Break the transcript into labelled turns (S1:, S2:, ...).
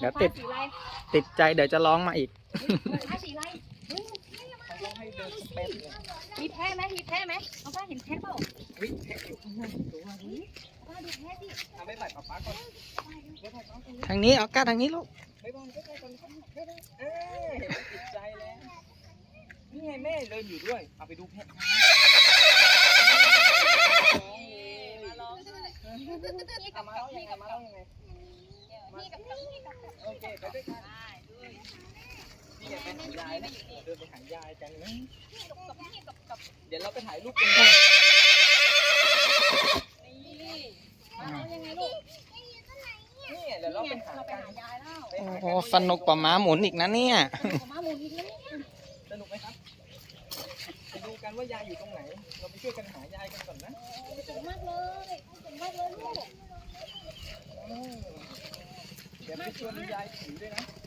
S1: เดี๋ยวติดใจเดี๋ยวจะร้องมาอีก
S2: ผ้าสีอะไรมีแพ้ไหมมีแพ้ไหมเอาผ้าเห็นแพ้เปล่าป้าดูแพ้สิเอาไปใส่ป๊าป๊าก่อน
S1: ทางนี้เอาก้าทางนี้ลูก
S2: ไปบอลไปก่อนติดใจแล้วนี่ไงแม่เดินอยู่ด้วยเอาไปดูแพ้มาแล้วยังไงโอเคไปด้วยกันนี่ไงไปหายายนะเดินไปหายายกันนะเดี๋ยวเราไปถ่ายรูปกันนี่ยังไงลูกนี่เดี๋ยวเราไปหายายแล้ว
S1: โอ้สนุกกว่าม้าหมุนอีกนะเนี่ย
S2: สนุกไหมครับไปดูกันว่ายายอยู่ตรงไหนเราไปช่วยกันหายายกันก่อนนะสนุกมากเลยลูกเดี๋ยวไปชวนยายถือด้วยนะ